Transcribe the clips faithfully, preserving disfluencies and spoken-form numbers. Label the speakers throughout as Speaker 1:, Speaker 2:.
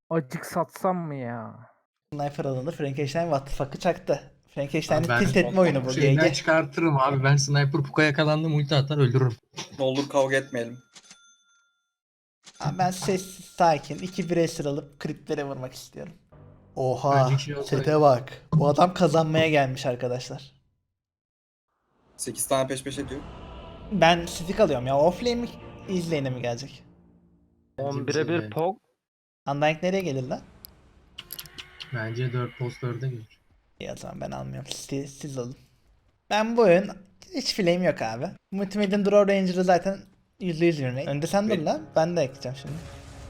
Speaker 1: Acık satsam mı ya?
Speaker 2: Sniper alındı. Frankenstein what the fuck'ı çaktı. Frankenstein'i
Speaker 3: Ben
Speaker 2: tilt etme oyunu bu.
Speaker 3: şeyden
Speaker 2: G G.
Speaker 3: çıkartırım abi. Ben sniper puka yakalandım, ulti atar öldürürüm.
Speaker 4: Ne olur kavga etmeyelim.
Speaker 2: Abi ben sessiz sakin iki bireysel alıp kriplere vurmak istiyorum. Oha.
Speaker 3: Bence şey olsaydı.
Speaker 2: Sete bak. Bu adam kazanmaya gelmiş arkadaşlar.
Speaker 4: sekiz tane peş peşe diyor.
Speaker 2: Ben stick alıyorum ya. Offlane mi izlane'e mi gelecek?
Speaker 3: Bence
Speaker 1: on
Speaker 3: bir şey
Speaker 1: bire bir
Speaker 3: yani.
Speaker 1: pog.
Speaker 2: Undying nereye gelir lan?
Speaker 3: Bence dört post dörde gelir.
Speaker 2: İyi o zaman ben almıyorum. Siz, siz alın. Ben bu oyun hiç flame yok abi. Multimedia'nın Draw Ranger'ı zaten yüzde yüz ürünü. Önde sen dur
Speaker 4: Benim-
Speaker 2: lan. Ben de ekleyeceğim şimdi.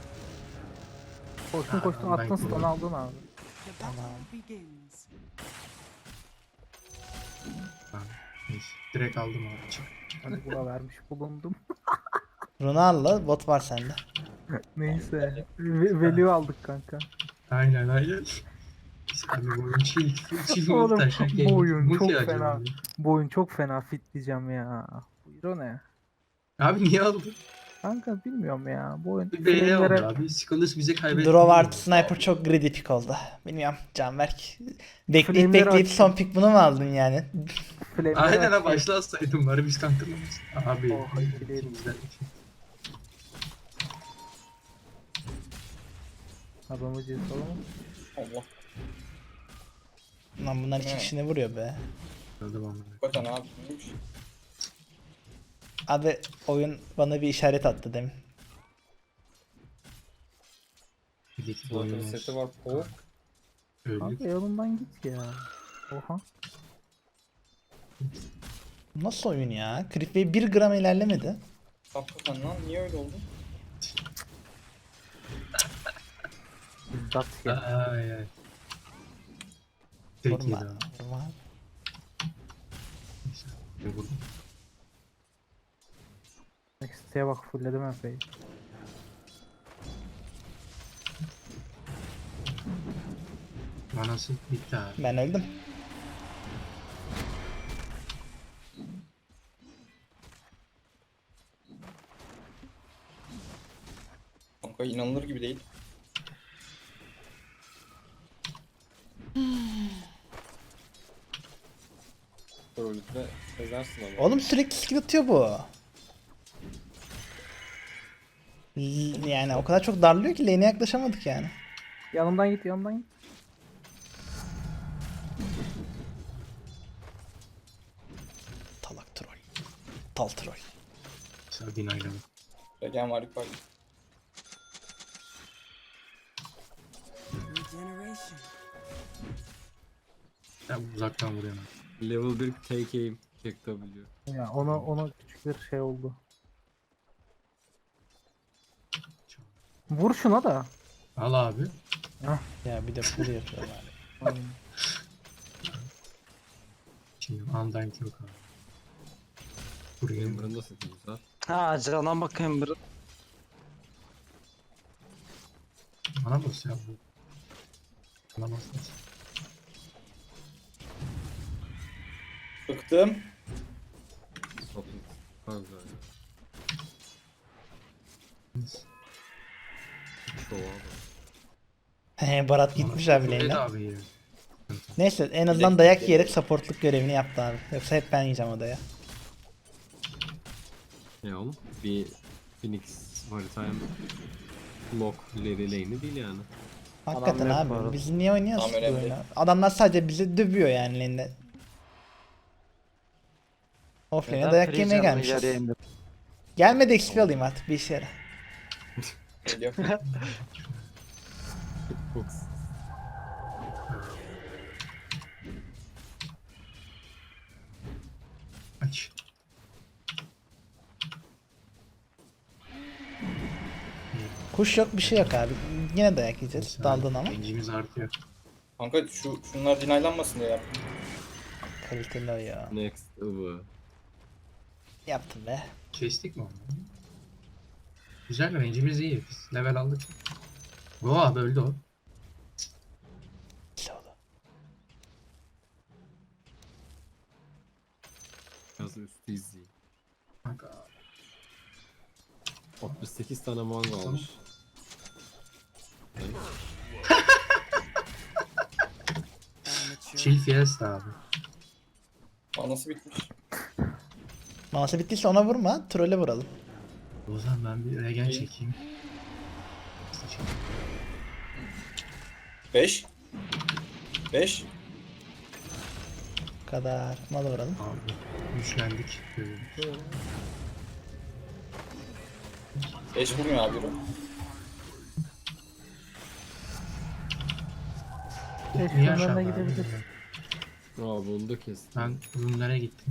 Speaker 1: Koştun koştun
Speaker 3: Aa, ben
Speaker 1: attın stun
Speaker 3: kullanırım.
Speaker 1: aldın abi.
Speaker 2: Tamam.
Speaker 3: Ha, neyse. Direkt aldım abi. Çık.
Speaker 1: Hadi buna vermiş bulundum.
Speaker 2: Runar'la bot var sende.
Speaker 1: Neyse. Ve- Value aldık kanka.
Speaker 3: Aynen aynen. Biz abi bu oyun chill. Chill
Speaker 1: Oğlum,
Speaker 3: multi aşağı
Speaker 1: bu oyun
Speaker 3: multi
Speaker 1: çok
Speaker 3: acaba
Speaker 1: fena.
Speaker 3: abi.
Speaker 1: Bu oyun çok fena fit diyeceğim ya. Buyur o ne?
Speaker 3: Abi niye aldın?
Speaker 1: Kanka bilmiyorum ya. Bu oyun
Speaker 3: Bir B'ye aldı
Speaker 1: flamelere
Speaker 3: abi. Skulls bize kaybetti.
Speaker 2: Draw artı Sniper çok greedy pick oldu. Bilmiyorum Canberk. Bekleyip
Speaker 1: Flame'leri
Speaker 2: bekleyip
Speaker 1: açtım.
Speaker 2: son pick bunu mu aldın yani?
Speaker 1: flamelere
Speaker 3: Aynen
Speaker 1: açıyor.
Speaker 3: ha başlasaydım bari biz kantırmamız. Abi.
Speaker 1: Oh, iyi değil.
Speaker 3: ikimizden iki.
Speaker 1: Adamı cezalı mı?
Speaker 4: Allah.
Speaker 2: Lan bunlar iki
Speaker 4: Evet.
Speaker 2: kişi ne vuruyor be?
Speaker 3: Öldüm ama.
Speaker 4: Hakikaten abi neymiş?
Speaker 2: Abi oyun bana bir işaret attı demin.
Speaker 3: Bir de iki
Speaker 4: Zaten
Speaker 3: oyun
Speaker 4: seti
Speaker 3: olsun.
Speaker 4: var. Pog.
Speaker 3: Öldük.
Speaker 1: Kanka yolundan git ya. Oha.
Speaker 2: Nasıl oyun ya? Creepway bir gram ilerlemedi.
Speaker 4: Hakikaten lan niye öyle oldu?
Speaker 1: İzdat ya.
Speaker 3: Ay ay. Tek yedi
Speaker 2: Vurma.
Speaker 3: abi.
Speaker 2: Vurma.
Speaker 3: Neyse, bir vurdum.
Speaker 1: Next'e bak fullledim epey.
Speaker 3: Manası bitti abi.
Speaker 2: Ben öldüm.
Speaker 4: Kanka inanılır gibi değil.
Speaker 5: Trollükle ezersin ama.
Speaker 2: Oğlum sürekli skill atıyor bu. L- Yani o kadar çok darlıyor ki lane'e yaklaşamadık yani.
Speaker 1: Yanımdan git yanımdan git.
Speaker 2: Talak troll. Tal troll.
Speaker 3: Sardin ayrıldı.
Speaker 4: Regen var yukarıda.
Speaker 3: Ben uzaktan vuruyorum.
Speaker 5: Level bir take aim. Check W.
Speaker 1: Ya ona ona küçük bir şey oldu. Vur şuna da.
Speaker 3: Al abi.
Speaker 2: Ya bir de pull yapıyorlar.
Speaker 1: Aynen.
Speaker 3: Şimdi undying yok abi. Buraya
Speaker 5: Amber'ın da seti güzel.
Speaker 6: Ha cana bak Ember.
Speaker 3: bana bas ya bu. Bana bas. bas.
Speaker 4: Bıktım.
Speaker 5: Toplu. Çok güzel ya. Şova bak.
Speaker 2: He Barat gitmiş abi
Speaker 3: Evet
Speaker 2: lane'e.
Speaker 3: abi ya.
Speaker 2: Neyse en azından dayak yiyerek supportluk görevini yaptı abi. Yoksa hep ben yiyeceğim odaya.
Speaker 5: Ya oğlum bir Phoenix haritaya lock ileri lane'i değil yani.
Speaker 2: Hakikaten
Speaker 6: yok bu
Speaker 2: abi
Speaker 6: arada.
Speaker 2: biz niye oynuyoruz
Speaker 4: Tamam,
Speaker 2: bu
Speaker 4: önemli
Speaker 2: oyunu?
Speaker 4: değil.
Speaker 2: Adamlar sadece bizi dövüyor yani lane'de. Offlane'e
Speaker 6: Neden
Speaker 2: dayak
Speaker 6: free
Speaker 2: yemeye
Speaker 6: canını
Speaker 2: gelmişiz.
Speaker 6: yarıya indir?
Speaker 2: Gelmedi X P alayım artık bir işe yarar.
Speaker 4: Geliyor.
Speaker 5: Fox.
Speaker 3: Aç.
Speaker 2: Kuş yok bir şey yok abi. Yine dayak yiyeceğiz daldın ama.
Speaker 3: Gencimiz artıyor.
Speaker 4: Kanka şu şunlar dinaylanmasın diye yaptım.
Speaker 2: Kaliteli o ya.
Speaker 5: Next ıvı.
Speaker 2: Yaptım be.
Speaker 3: Kestik mi onu? Güzel range'imiz iyi. Biz level aldık. Go abi öldü o.
Speaker 2: Güzel oldu.
Speaker 5: Biraz üstü izleyeyim.
Speaker 3: Kanka.
Speaker 5: altmış sekiz tane manga almış. Evet.
Speaker 3: Chill Fiesta abi.
Speaker 4: Anası bitmiş.
Speaker 2: Manası bittiyse ona vurma. Trolle vuralım.
Speaker 3: O zaman ben bir regen
Speaker 4: İyi.
Speaker 3: çekeyim.
Speaker 4: beş. beş.
Speaker 2: Bu kadar. Malı vuralım.
Speaker 3: Abi güçlendik.
Speaker 4: beş vurmuyor abi. yürü.
Speaker 1: Beş
Speaker 3: Niye
Speaker 1: numaralarına
Speaker 3: aşağıda
Speaker 1: gidebiliriz.
Speaker 3: abi?
Speaker 5: Abi onu da kestim.
Speaker 3: Ben runlara gittim.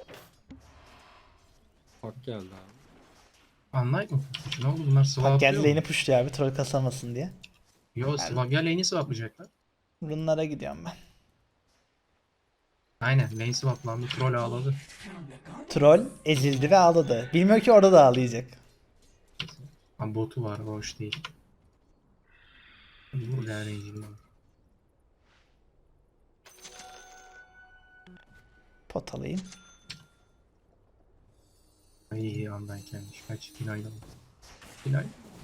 Speaker 5: Hak geldi abi.
Speaker 3: Anlayık mı? Ne oldu bunlar
Speaker 2: Bak
Speaker 3: swap
Speaker 2: geldi
Speaker 3: yapıyor
Speaker 2: lane'i
Speaker 3: mu?
Speaker 2: pushluyor abi troll kasamasın diye.
Speaker 3: Yo swap ya lane'i swaplayacaklar.
Speaker 2: Runlara gidiyorum ben.
Speaker 3: Aynen lane swaplandı troll ağladı.
Speaker 2: Troll ezildi ve ağladı. Bilmiyor ki orada da ağlayacak.
Speaker 3: Ama botu var o hoş değil. Vur ya range'ini.
Speaker 2: Pot alayım.
Speaker 3: İyi iyi andan gelmiş. Kaç finayda mı? Final.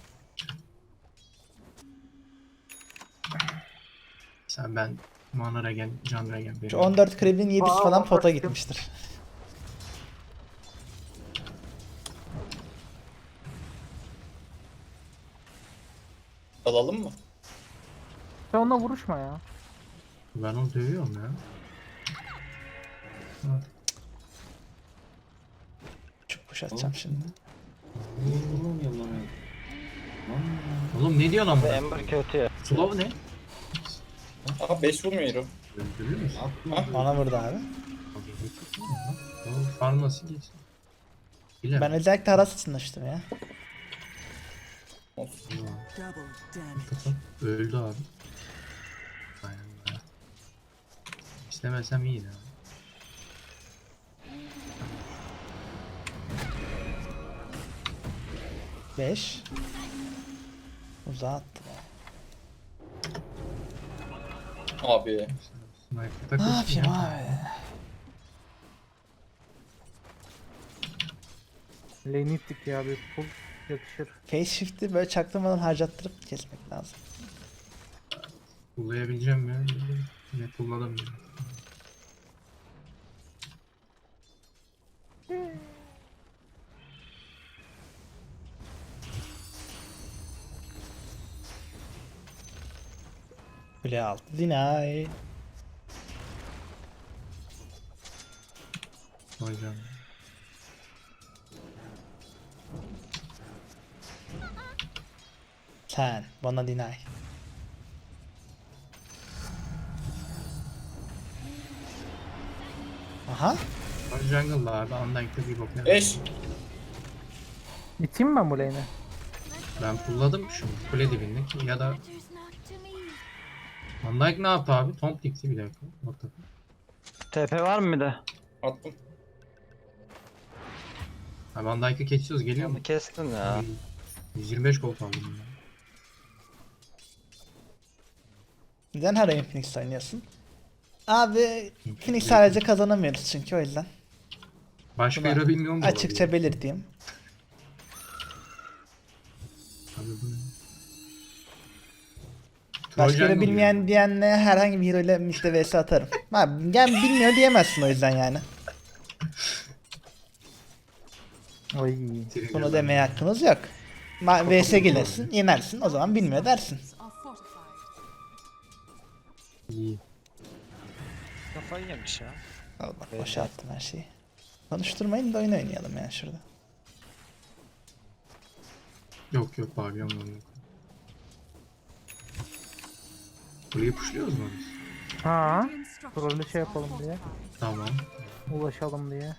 Speaker 3: Sen ben mana regen, can regen
Speaker 2: Şu
Speaker 3: benim.
Speaker 2: on dört krebin yedisi
Speaker 1: Aa,
Speaker 2: falan
Speaker 1: bak
Speaker 2: pota
Speaker 1: bakayım.
Speaker 2: gitmiştir.
Speaker 4: Alalım mı?
Speaker 1: Sen onunla vuruşma ya.
Speaker 3: Ben onu dövüyorum ya. Ha,
Speaker 2: Çok push atacağım şimdi.
Speaker 3: Oğlum ne diyorsun ama?
Speaker 6: Ember kötü ya.
Speaker 3: Slow ne?
Speaker 4: Aha beş vurmuyor hero.
Speaker 3: Öldürür müsün?
Speaker 2: Bana vurdu abi.
Speaker 3: O farm nasıl geçti? Bilemem.
Speaker 2: Ben özellikle Haras için açtım ya.
Speaker 4: Olsun.
Speaker 3: Öldü abi. Aynen öyle. İstemesem iyi ya.
Speaker 2: beş. Uzağa attı.
Speaker 4: Abi.
Speaker 3: Sniper
Speaker 2: Ne
Speaker 3: takılsın
Speaker 2: yapayım
Speaker 3: ya.
Speaker 2: abi?
Speaker 1: Lane ittik ya bir pull yakışır.
Speaker 2: Face shift'i böyle çaktırmadan harcattırıp kesmek lazım.
Speaker 3: Kullayabileceğim ya. Ne kullanamıyorum.
Speaker 2: Kule altı. Deny.
Speaker 3: Hocam.
Speaker 2: Sen. Bana deny. Aha.
Speaker 3: Jungle'da abi Undyne'da bir bok ne?
Speaker 4: beş.
Speaker 1: İteyim mi ben bu lane'i?
Speaker 3: Ben pulladım şu kule dibindeki ya da Undyne ne yaptı abi? Tomp dikti bir dakika. What the fuck?
Speaker 6: T P var mı bir de?
Speaker 4: Attım.
Speaker 3: Abi Undyne'ı geçiyoruz geliyor mu?
Speaker 6: Onu kestin ya.
Speaker 3: yüz yirmi beş gold aldım ya.
Speaker 2: Neden her oyun Phoenix oynuyorsun? Abi Phoenix sadece kazanamıyoruz çünkü o yüzden.
Speaker 3: Başka
Speaker 2: Buna
Speaker 3: hero bilmiyorum da
Speaker 2: Açıkça
Speaker 3: olabilir.
Speaker 2: belirteyim.
Speaker 3: Abi bu ne?
Speaker 2: Başka
Speaker 3: Troll
Speaker 2: da
Speaker 3: jungle
Speaker 2: bilmeyen
Speaker 3: ya.
Speaker 2: diyenle herhangi bir hero ile midde vs atarım. Abi yani bilmiyor diyemezsin o yüzden yani.
Speaker 1: Oy.
Speaker 3: Trigger
Speaker 2: Bunu
Speaker 3: ben-
Speaker 2: demeye hakkınız yok. Ma vs gelirsin, yenersin, o zaman bilmiyor dersin.
Speaker 3: İyi.
Speaker 6: Kafayı yemiş ya.
Speaker 2: Al bak boşa attım her şeyi. Konuşturmayın da oyun oynayalım yani şurada.
Speaker 3: Yok yok pavyon yok. Burayı pushluyoruz mu biz?
Speaker 1: Ha, trollü şey yapalım diye.
Speaker 3: Tamam.
Speaker 1: Ulaşalım diye.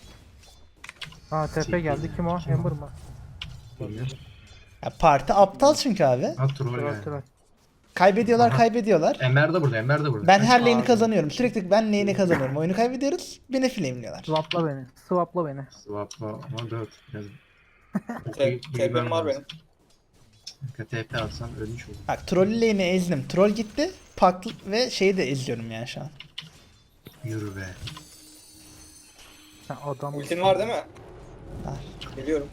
Speaker 1: Ha tepe geldi kim o? Ember mı?
Speaker 3: Geliyor.
Speaker 2: Ya parti aptal çünkü abi.
Speaker 3: Ha troll
Speaker 1: Troll
Speaker 3: yani.
Speaker 1: troll.
Speaker 2: Kaybediyorlar,
Speaker 3: Aha.
Speaker 2: kaybediyorlar.
Speaker 3: Ember de burada, Ember de burada.
Speaker 2: Ben her lane'i
Speaker 3: Abi,
Speaker 2: kazanıyorum. Sürekli ben lane'i kazanıyorum. Oyunu kaybediyoruz. Beni flameliyorlar.
Speaker 1: Swapla beni. Swapla beni.
Speaker 3: Swapla ama dört. Biraz.
Speaker 4: T- T P'm var benim.
Speaker 3: T P atsan ölmüş olur.
Speaker 2: Bak troll lane'i ezdim. Troll gitti. Pak ve şeyi de eziyorum yani şu an.
Speaker 3: Yürü be.
Speaker 1: Sen adam.
Speaker 4: Ultin var değil mi?
Speaker 2: Var.
Speaker 4: Geliyorum.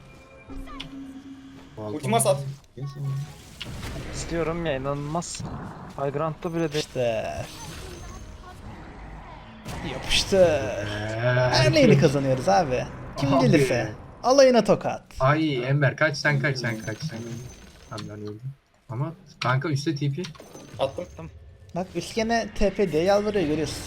Speaker 3: Balkon-
Speaker 4: Ultima sat.
Speaker 6: İstiyorum ya inanılmaz. High Ground'da bile değil.
Speaker 2: İşte Yapıştı.
Speaker 3: Eee,
Speaker 2: Her neyini kazanıyoruz abi. Kim
Speaker 3: Abi.
Speaker 2: gelirse. Alayına tokat.
Speaker 3: Ay Ember kaç sen kaç sen kaç sen. Tamam ben öldüm. Ama kanka üstte T P.
Speaker 4: Attım.
Speaker 2: Bak üst gene T P diye yalvarıyor görüyorsun.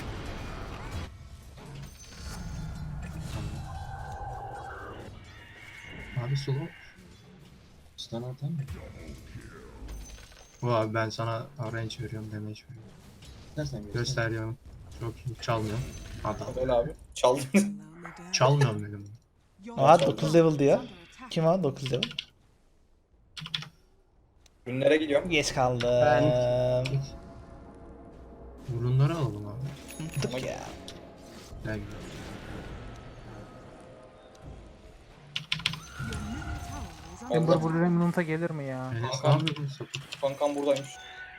Speaker 3: Abi slow. Stun atan mı? Bu abi ben sana range veriyorum, damage veriyorum.
Speaker 4: Nereden
Speaker 3: Gösteriyorum. Çok iyi. Çalmıyorum. Adam.
Speaker 4: Öyle abi. Çaldın.
Speaker 3: Çalmıyorum dedim.
Speaker 2: Aa dokuz level diyor. Kim o dokuz level?
Speaker 4: Günlere gidiyorum.
Speaker 2: Geç kaldım.
Speaker 3: Git. Burunları alalım abi.
Speaker 2: Unuttuk ya.
Speaker 3: Gel.
Speaker 1: Ember
Speaker 4: Allah.
Speaker 1: Blue Remnant'a gelir mi ya?
Speaker 3: Enes ne yapıyorsun sapık?
Speaker 4: Kankam buradaymış.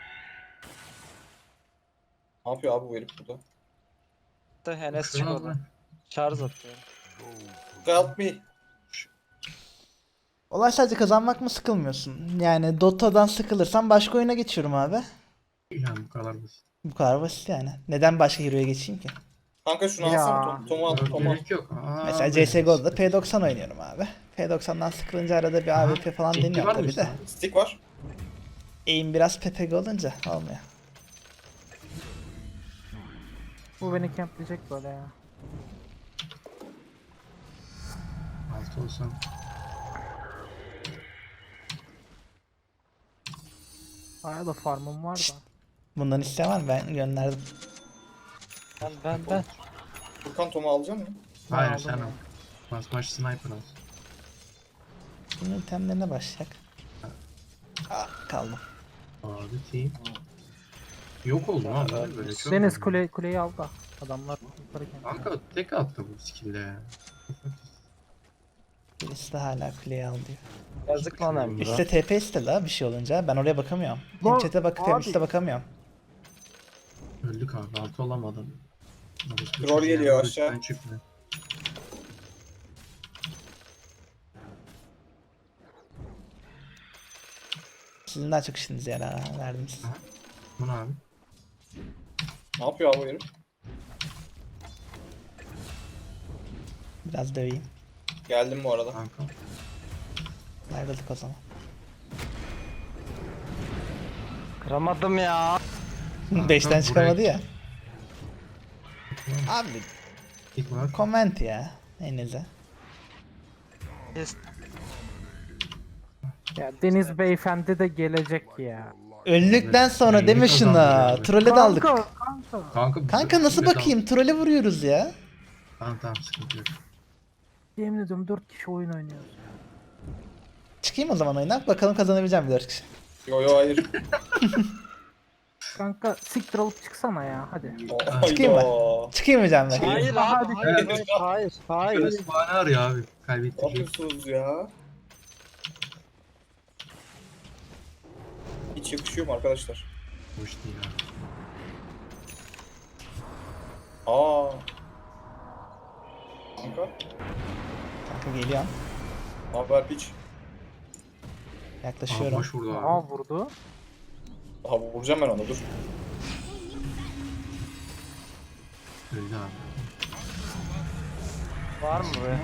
Speaker 4: Ne yapıyor abi bu herif burada?
Speaker 6: Da Enes
Speaker 3: Şuna
Speaker 6: çıkmadı.
Speaker 3: bak.
Speaker 6: Şarj atıyor.
Speaker 4: Help me.
Speaker 2: Olay sadece kazanmak mı, sıkılmıyorsun? Yani Dota'dan sıkılırsan başka oyuna geçiyorum abi.
Speaker 3: Yani bu kadar basit.
Speaker 2: Bu kadar basit yani. Neden başka hero'ya geçeyim ki?
Speaker 4: Kanka şunu
Speaker 1: Ya.
Speaker 4: alsana. Tom, Tom'u al. Tom'u al.
Speaker 3: Gerek yok. Aa,
Speaker 2: Mesela C S G O'da P doksan oynuyorum abi. P doksandan sıkılınca arada bir A W P falan
Speaker 3: Ciddi var
Speaker 2: deniyorum
Speaker 3: mı
Speaker 2: tabii de.
Speaker 3: işte?
Speaker 4: Stick var.
Speaker 2: Aim biraz P P G olunca olmuyor.
Speaker 1: Bu beni campleyecek böyle ya.
Speaker 3: Altı olsam.
Speaker 1: Aya da farmım var da.
Speaker 2: Bundan isteyen var mı? Ben gönderdim.
Speaker 6: Ben ben ben.
Speaker 4: Furkan Tom'u alacak mı?
Speaker 3: Hayır
Speaker 1: aldım
Speaker 3: sen
Speaker 1: ya.
Speaker 3: al. Bas baş sniper al.
Speaker 2: Bunun itemlerine başlayacak. Aa, kaldım.
Speaker 3: Abi team. Yok oldum abi böyle, böyle çok.
Speaker 1: Deniz
Speaker 3: oldu.
Speaker 1: kule, kuleyi al da. Adamlar yukarı camp.
Speaker 3: Kanka tek attı bu skill'de ya.
Speaker 2: Birisi de hala kuleyi al diyor.
Speaker 6: Yazık lan Emre.
Speaker 2: Üste T P iste la bir şey olunca. Ben oraya bakamıyorum. Hem
Speaker 1: Lan,
Speaker 2: chat'e bakıp hem
Speaker 1: abi.
Speaker 2: üste bakamıyorum.
Speaker 3: Öldük abi altı olamadım.
Speaker 4: Troll geliyor aşağı.
Speaker 3: Çıkmıyor.
Speaker 2: Sizin daha çok işiniz yarar ha, verdiniz.
Speaker 3: Bu ne abi?
Speaker 4: Ne yapıyor abi bu herif?
Speaker 2: Biraz döveyim.
Speaker 4: Geldim bu arada.
Speaker 3: Kanka.
Speaker 2: Ayrıldık o zaman.
Speaker 6: Kıramadım ya.
Speaker 2: Beşten
Speaker 3: buraya-
Speaker 2: çıkamadı ya. Abi
Speaker 3: İlk var.
Speaker 2: comment ya. Neyinize.
Speaker 6: Kes-
Speaker 1: Ya Deniz Beyefendi de gelecek ya.
Speaker 2: Öldükten sonra
Speaker 3: Neyini
Speaker 2: deme şuna.
Speaker 3: kazandırıyor abi?
Speaker 2: Trolle daldık.
Speaker 1: Kanka, kanka.
Speaker 3: Kanka,
Speaker 2: Kanka nasıl
Speaker 3: Metal-
Speaker 2: bakayım? Trole vuruyoruz ya.
Speaker 3: Tamam tamam sıkıntı yok.
Speaker 1: Yemin ediyorum dört kişi oyun oynuyoruz.
Speaker 2: Çıkayım o zaman oyuna. Bakalım kazanabileceğim mi dört kişi.
Speaker 4: Yo yo hayır.
Speaker 1: Kanka siktir alıp çıksana ya hadi.
Speaker 2: Çıkayım mı?
Speaker 4: Hayda.
Speaker 2: Çıkayım mı Can Bey?
Speaker 6: Hayır abi hayır hayır hayır hayır.
Speaker 3: Şöyle bahane arıyor abi.
Speaker 4: Ne
Speaker 3: Kaybettik.
Speaker 4: yapıyorsunuz ya? Hiç yakışıyor mu arkadaşlar?
Speaker 3: Hoş değil abi.
Speaker 4: Aa. Kanka.
Speaker 2: Kanka geliyorum.
Speaker 4: Ne haber piç?
Speaker 3: Aa,
Speaker 2: Yaklaşıyorum.
Speaker 3: boş vurdu abi.
Speaker 1: Aa vurdu.
Speaker 4: Aha vuracağım ben onu dur.
Speaker 3: Öldü abi.
Speaker 6: Var mı be?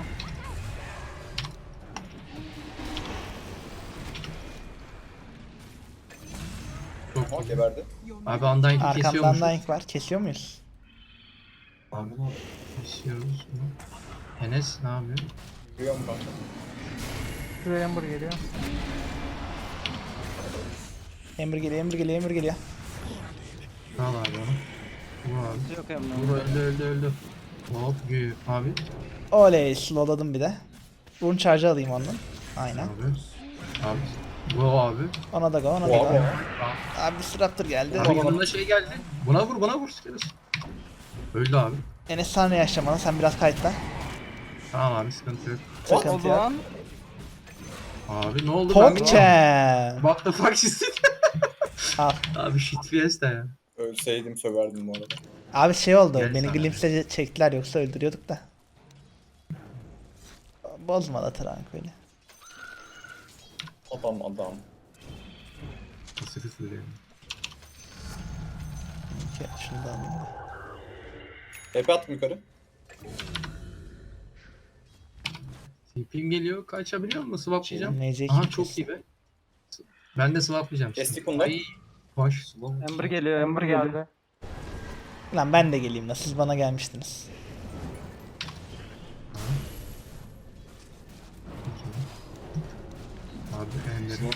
Speaker 3: Çok
Speaker 4: Ama
Speaker 3: iyi.
Speaker 4: geberdi.
Speaker 3: Abi Undying'i
Speaker 2: Arkamdan
Speaker 3: kesiyormuşuz.
Speaker 2: Dying var. Kesiyor muyuz?
Speaker 3: Abi kesiyoruz mu? Enes ne yapıyor?
Speaker 4: Biliyorum kanka.
Speaker 1: Şuraya Ember geliyor.
Speaker 2: Ember geliyor, Ember geliyor, Ember geliyor.
Speaker 3: Al abi onu. Vur abi.
Speaker 6: Yok Emre.
Speaker 3: Vur öldü öldü öldü. Hop gü abi.
Speaker 2: Oley, slowladım bir de. Burun charge'ı alayım ondan. Aynen.
Speaker 3: Abi. Abi. Go abi.
Speaker 2: Ona da go, ona da
Speaker 4: Oha
Speaker 2: go.
Speaker 4: be.
Speaker 2: Abi Disruptor geldi.
Speaker 3: Abi yanında şey geldi. Buna vur buna vur. Sikeriz. Öldü abi.
Speaker 2: Enes saniye yaşamalı, sen biraz kayıtla.
Speaker 3: Tamam abi sıkıntı yok.
Speaker 2: Sıkıntı
Speaker 6: Oldu
Speaker 2: yok.
Speaker 6: lan.
Speaker 3: Abi ne oldu?
Speaker 2: Top
Speaker 3: Ben-
Speaker 2: champ.
Speaker 3: What the fuck is it?
Speaker 2: Al.
Speaker 3: Abi shit fiesta ya.
Speaker 4: Ölseydim söverdim bu arada.
Speaker 2: Abi şey oldu,
Speaker 3: Gel
Speaker 2: beni
Speaker 3: sana.
Speaker 2: glimpse'le çektiler yoksa öldürüyorduk da. Bozma da Tranquil'i.
Speaker 4: Adam adam.
Speaker 3: Pasifist öyle.
Speaker 2: Şunu da alayım da.
Speaker 4: T P attım yukarı.
Speaker 3: Tipim geliyor. Kaçabiliyor mu? Swaplayacağım.
Speaker 2: Nece
Speaker 3: Aha çok iyi be. Ben de swaplayacağım.
Speaker 4: Kestik bunu da.
Speaker 3: Ay, hoş.
Speaker 6: Ember geliyor, Ember geldi.
Speaker 2: Lan ben de geleyim la, siz bana gelmiştiniz.
Speaker 3: Abi Ender'in.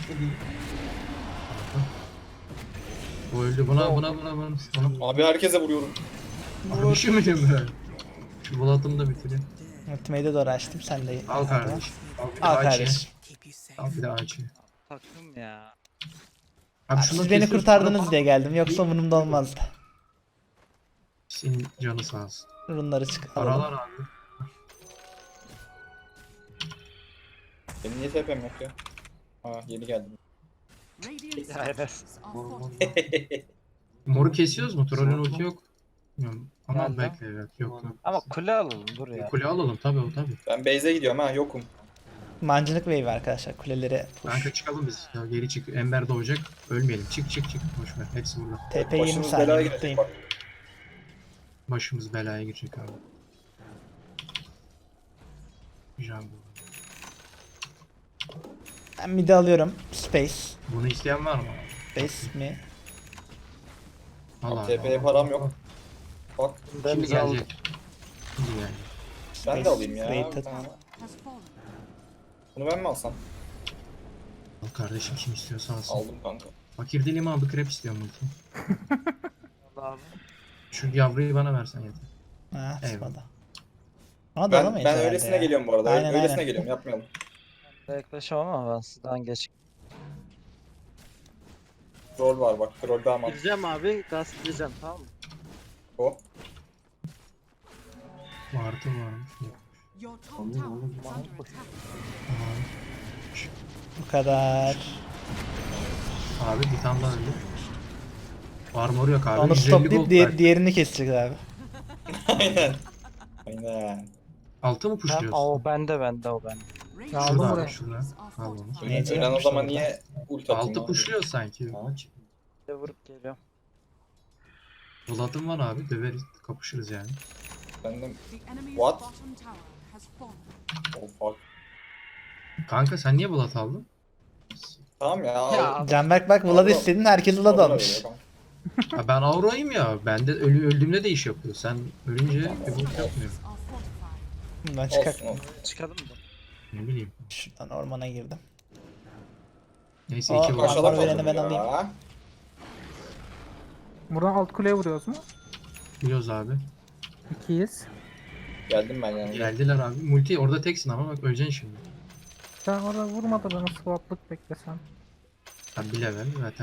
Speaker 3: Bu öldü. Buna buna buna buna. buna.
Speaker 4: Abi herkese vuruyorum.
Speaker 3: Abi üşümedim ben. Şu bulatımı da bitireyim.
Speaker 2: Ultimate'e doğru açtım, sen de.
Speaker 3: Al kardeşim. Al bir
Speaker 2: Al
Speaker 3: daha açayım.
Speaker 2: kardeşim.
Speaker 3: Al bir daha açayım.
Speaker 6: Takım ya.
Speaker 3: Abi
Speaker 2: Abi
Speaker 3: şunu
Speaker 2: siz beni
Speaker 3: kesiyorsun,
Speaker 2: kurtardınız
Speaker 3: sonra-
Speaker 2: diye geldim, yoksa umurumda olmazdı.
Speaker 3: Senin canı sağ olsun.
Speaker 2: Runları çık
Speaker 3: Paralar
Speaker 2: alalım.
Speaker 3: abi.
Speaker 4: Benim niye T P'm yok ya? Ha yeni geldim.
Speaker 6: Ya Enes.
Speaker 3: Moru kesiyoruz mu? Trollün ulti yok. Bilmiyorum. Ama
Speaker 6: Geldi.
Speaker 3: bekle evet. Yok yok.
Speaker 6: Ama kule alalım dur ya.
Speaker 3: Kule alalım tabii o tabii.
Speaker 4: Ben base'e gidiyorum ha yokum.
Speaker 2: Mancınık wave arkadaşlar, kulelere push.
Speaker 3: Kanka çıkalım biz. Ya geri çık. Ember doğacak. Ölmeyelim. Çık çık çık. Boş ver. Hepsi burada.
Speaker 2: T P yirmi
Speaker 4: Başımız
Speaker 2: saniye
Speaker 4: belaya girecek
Speaker 2: mutluyum.
Speaker 4: bak.
Speaker 3: Başımız belaya girecek abi. Güzel bu.
Speaker 2: Ben mid'i alıyorum. Space.
Speaker 3: Bunu isteyen var mı?
Speaker 2: Space mi?
Speaker 3: Al abi.
Speaker 4: T P'ye
Speaker 3: al.
Speaker 4: param yok. Bak
Speaker 3: Şimdi
Speaker 6: Biz aldık.
Speaker 3: gelecek. Şimdi gelecek.
Speaker 4: ben de alayım ya.
Speaker 2: Rated.
Speaker 4: Ha. Bunu ben mi alsam?
Speaker 3: Al kardeşim kim istiyorsa alsın.
Speaker 4: Aldım kanka.
Speaker 3: Fakir değilim abi krep istiyorum multi.
Speaker 6: Abi.
Speaker 3: Şu yavruyu bana versen yeter.
Speaker 2: Ha,
Speaker 3: Eyvallah.
Speaker 2: sıkmadı. Ama da
Speaker 4: Ben,
Speaker 2: alamayız
Speaker 4: ben
Speaker 2: herhalde
Speaker 4: öylesine
Speaker 2: ya.
Speaker 4: geliyorum bu arada.
Speaker 2: Aynen,
Speaker 4: öylesine
Speaker 2: aynen.
Speaker 4: geliyorum yapmayalım.
Speaker 6: Yaklaşamam ama ben sizden geç.
Speaker 4: Troll var bak. Troll daha mantıklı.
Speaker 6: Gireceğim abi, gaz gireceğim tamam mı?
Speaker 4: O.
Speaker 3: Martı varmış.
Speaker 7: Your top tower is under attack.
Speaker 3: Tamam.
Speaker 2: Bu kadar.
Speaker 3: Abi bir tane daha öldü. Armor yok abi.
Speaker 2: Onu
Speaker 3: yüz elli gold
Speaker 2: stoplayıp diğer,
Speaker 3: ver.
Speaker 2: diğerini kesecek abi.
Speaker 4: Aynen. Aynen.
Speaker 3: Altı mı
Speaker 6: Ben,
Speaker 3: pushluyorsun?
Speaker 6: o bende bende o bende.
Speaker 7: Radiant
Speaker 1: Ya
Speaker 3: Şurada
Speaker 1: aldım
Speaker 3: abi
Speaker 1: buraya.
Speaker 3: şurada. Al onu.
Speaker 2: Ne
Speaker 4: Ölen
Speaker 2: diyeceğim
Speaker 4: o zaman
Speaker 2: şurada?
Speaker 4: niye ult atayım
Speaker 3: Altı
Speaker 4: abi?
Speaker 3: pushluyor sanki.
Speaker 6: Bir de vurup geliyorum.
Speaker 3: Bulatım var abi. Döveriz. Kapışırız yani.
Speaker 4: Ben de...
Speaker 7: The enemy's
Speaker 4: What?
Speaker 7: bottom tower has fallen.
Speaker 4: Oh fuck.
Speaker 3: Kanka sen niye Bulat aldın?
Speaker 4: Tamam ya. al.
Speaker 6: Ya.
Speaker 2: Canberk bak Vlad'ı
Speaker 4: Allah.
Speaker 2: istedin, herkes Vlad
Speaker 4: Olur
Speaker 2: almış.
Speaker 4: öyle kanka.
Speaker 3: Ha ben Aura'yım ya. Ben de ölü öldüğümde de iş yapıyor. Sen ölünce bir bok yapmıyor.
Speaker 7: Are fortified.
Speaker 2: Bundan çıkar.
Speaker 4: Olsun olsun.
Speaker 6: Çıkalım mı?
Speaker 3: Ne bileyim.
Speaker 2: Şuradan ormana girdim.
Speaker 3: Neyse
Speaker 2: Aa,
Speaker 3: iki Bulat.
Speaker 4: Aşağıda
Speaker 2: Armor vereni
Speaker 4: kaldım
Speaker 2: ben
Speaker 4: ya.
Speaker 1: Buradan alt kuleye vuruyoruz mu?
Speaker 3: Biliyoruz abi.
Speaker 1: İkiyiz.
Speaker 4: Geldim ben yani.
Speaker 3: Geldiler abi. Multi orada teksin ama bak öleceksin şimdi.
Speaker 1: Sen orada vurmadı bana swaplık beklesen.
Speaker 3: Ha bir level zaten.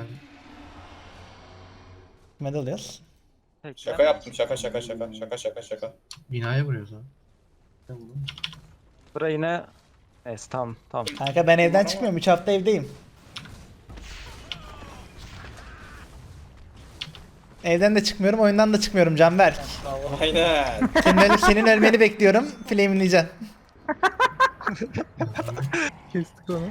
Speaker 2: Kime alıyoruz?
Speaker 6: Peki.
Speaker 4: Şaka yaptım şaka şaka şaka şaka şaka şaka.
Speaker 3: Binaya vuruyoruz abi.
Speaker 6: Bura yine... Neyse tamam tamam.
Speaker 2: Kanka ben evden çıkmıyorum, üç hafta evdeyim. Evden de çıkmıyorum, oyundan da çıkmıyorum Canberk.
Speaker 4: Aynen.
Speaker 2: Senin, öl- senin ölmeni bekliyorum, flameleyeceksin.
Speaker 1: Kestik onu.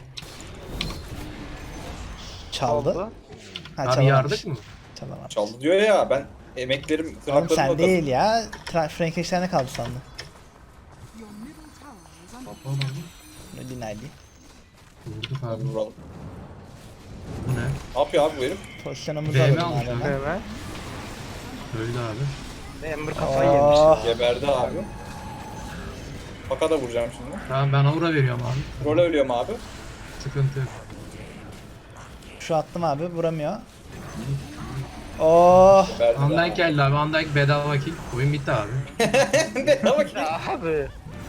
Speaker 2: Çaldı.
Speaker 6: Oldu.
Speaker 2: Ha,
Speaker 3: Abi
Speaker 2: çalamamış.
Speaker 3: yardık mı?
Speaker 2: Çalamamış.
Speaker 4: Çaldı diyor ya ben emeklerim
Speaker 2: Oğlum
Speaker 4: tırnaklarımla
Speaker 2: sen
Speaker 4: kazandım.
Speaker 2: değil ya. Tra- Frankenstein'e kaldı sandım.
Speaker 7: Your middle tower is under
Speaker 2: Öyle değil.
Speaker 3: Vurduk
Speaker 4: Hadi
Speaker 3: abi.
Speaker 4: vuralım.
Speaker 3: Bu ne?
Speaker 4: Ne yapıyor abi bu herif?
Speaker 2: Pozisyonumuzu
Speaker 3: V M
Speaker 2: alalım
Speaker 3: almış
Speaker 2: abi.
Speaker 3: abi.
Speaker 2: hemen.
Speaker 1: Evet.
Speaker 3: Öldü abi.
Speaker 6: Ember kafayı yemiş.
Speaker 2: Oh,
Speaker 4: Geberdi abi. Faka da vuracağım şimdi.
Speaker 3: Tamam ben aura veriyorum abi.
Speaker 4: Troll'e ölüyorum abi.
Speaker 3: Sıkıntı yok.
Speaker 2: şu attım abi, vuramıyor. Oh,
Speaker 4: Geberdi
Speaker 3: Van
Speaker 4: de
Speaker 3: Dijk geldi abi. Van Dijk bedava kill. Oyun bitti abi.
Speaker 4: Ne bak ya.
Speaker 6: Ya abi.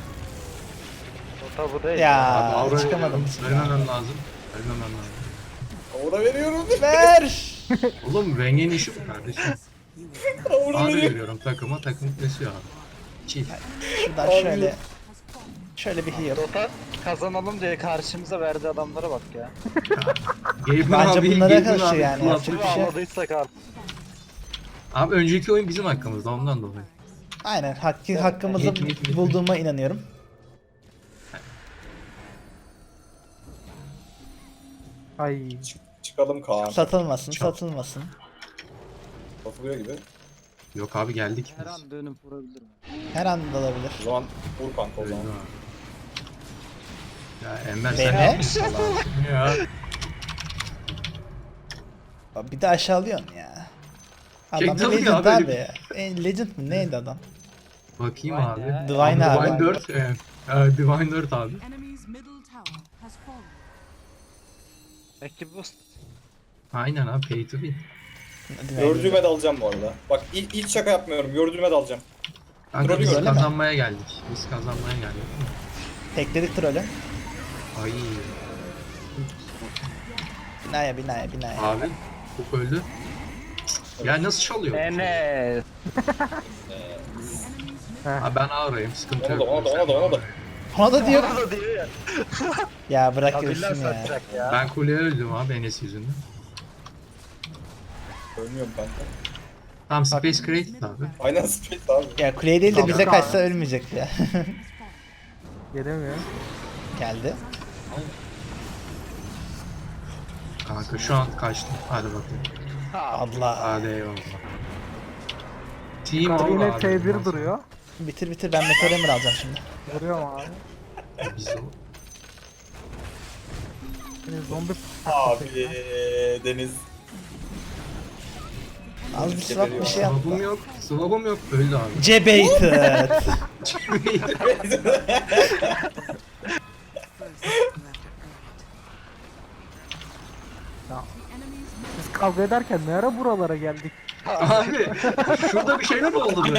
Speaker 6: O da bu değil.
Speaker 2: ya
Speaker 3: Abi aura
Speaker 2: çıkamadım.
Speaker 3: veriyorum. Ölmemem lazım. Ölmemem lazım.
Speaker 4: Aura veriyorum.
Speaker 2: Ver.
Speaker 3: Oğlum Wengen işi bu kardeşim.
Speaker 4: Aura
Speaker 3: Abi
Speaker 4: veriyorum.
Speaker 3: veriyorum takıma. Takım kesiyor abi. Chill.
Speaker 2: Şuradan şöyle şöyle bir heal.
Speaker 6: Dota kazanalım diye karşımıza verdiği adamlara bak ya.
Speaker 3: Gaben
Speaker 2: Bence
Speaker 3: abi,
Speaker 2: bunlara
Speaker 3: Gaben
Speaker 2: karşı
Speaker 3: abi,
Speaker 2: yani,
Speaker 3: Bulat.
Speaker 2: yapacak bir şey yok.
Speaker 6: Ağladıysak artık.
Speaker 3: Abi önceki oyun bizim hakkımızda ondan dolayı.
Speaker 2: Aynen, hakkı, hakkımızı
Speaker 3: Mit, mit, mit.
Speaker 2: bulduğuma inanıyorum.
Speaker 1: Ay.
Speaker 4: Çık- çıkalım Kaan.
Speaker 2: Satılmasın,
Speaker 3: Çok.
Speaker 2: satılmasın.
Speaker 4: Satılıyor gibi.
Speaker 3: Yok abi geldik
Speaker 6: Her
Speaker 3: biz.
Speaker 6: an dönüp vurabilirim.
Speaker 2: Her an da olabilir.
Speaker 4: O zaman vur kanka o
Speaker 3: Öldü
Speaker 4: zaman.
Speaker 3: abi. Ya Enver sen
Speaker 2: Beni?
Speaker 3: ne yapıyorsun Allah'ım ya?
Speaker 2: Bak bir de aşağılıyorsun ya. Adam
Speaker 3: King tabii
Speaker 2: Legend
Speaker 3: abi,
Speaker 2: abi.
Speaker 3: öyle
Speaker 2: E, Legend mi neydi adam?
Speaker 3: Bakayım
Speaker 6: Divine
Speaker 3: abi.
Speaker 6: ya.
Speaker 2: Divine abi.
Speaker 3: Divine dört. Evet. Ee, Divine dört abi.
Speaker 7: Enemy's middle tower has fallen.
Speaker 6: Belki boost.
Speaker 3: Aynen abi pay to win.
Speaker 4: Gördüğüme de alacağım bu arada. Bak ilk, ilk şaka yapmıyorum. Gördüğüme de alacağım.
Speaker 3: Kanka
Speaker 4: Trolü
Speaker 3: biz
Speaker 4: gördün mü?
Speaker 3: kazanmaya geldik. Biz kazanmaya geldik.
Speaker 2: Tekledik trolü.
Speaker 3: Ay
Speaker 2: Binaya binaya binaya.
Speaker 3: abi. Hook öldü. Ya nasıl çalıyor?
Speaker 6: Enes.
Speaker 3: Ha, ben ağrayım sıkıntı
Speaker 4: Ona
Speaker 3: yok.
Speaker 4: da ona da ona da ona da.
Speaker 2: Ona da diyor.
Speaker 6: Orada diyor ya.
Speaker 2: Ya bırak
Speaker 6: Kabiller
Speaker 2: görsün ya.
Speaker 6: satacak ya.
Speaker 3: Ben kuleye öldüm abi Enes yüzünden.
Speaker 4: Ölmüyorum kanka.
Speaker 3: Tamam Space Created abi.
Speaker 4: Aynen space abi.
Speaker 2: Ya kuleye değil de
Speaker 1: Tamam.
Speaker 2: bize kaçsa ölmeyecek ya.
Speaker 1: Gelemiyor.
Speaker 2: Geldi.
Speaker 3: Kanka şu an kaçtım. Hadi bakayım.
Speaker 2: Allah.
Speaker 3: Hadi eyvallah. Team
Speaker 1: Kanka
Speaker 3: all
Speaker 1: yine
Speaker 3: abi.
Speaker 1: T bir duruyor.
Speaker 2: Bitir bitir ben Meteor Emir alacağım şimdi.
Speaker 1: Vuruyor mu abi?
Speaker 3: Biz de
Speaker 1: Yine zombi
Speaker 4: Abi Deniz.
Speaker 2: Az bir swap bir şey
Speaker 3: Swap'ım
Speaker 2: yaptı.
Speaker 3: yok. Swap'ım yok. Öldü abi.
Speaker 2: Cebated.
Speaker 7: Enemy's
Speaker 1: biz kavga ederken ne ara buralara geldik?
Speaker 3: abi şurada bir şeyler oldu böyle.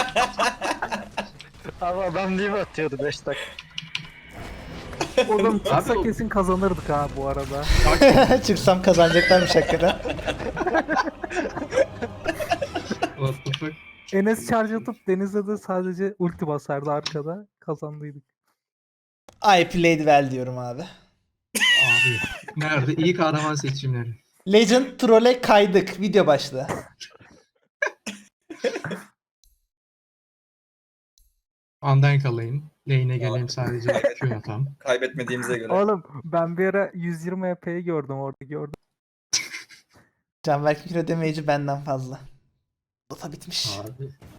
Speaker 6: Abi adam diye atıyordu beş dakika.
Speaker 1: Oradan çıksa
Speaker 3: Abi-
Speaker 1: kesin kazanırdık ha bu arada.
Speaker 2: Çıksam kazanacaklarmış hakikaten.
Speaker 3: What the fuck?
Speaker 1: Enes charge atıp Deniz'e de sadece ulti basardı arkada. Kazandıydık.
Speaker 2: I played well diyorum abi.
Speaker 3: Abi nerede? İyi kahraman seçimleri.
Speaker 2: Legend Troll'e kaydık. Video başlığı.
Speaker 3: Undank alayım. Lane'e geleyim sadece Q atam.
Speaker 4: Kaybetmediğimize göre.
Speaker 1: Oğlum ben bir ara yüz yirmi E P'yi gördüm orada gördüm.
Speaker 2: Canberk'in kilo damage'i benden fazla. Dota bitmiş.
Speaker 3: Abi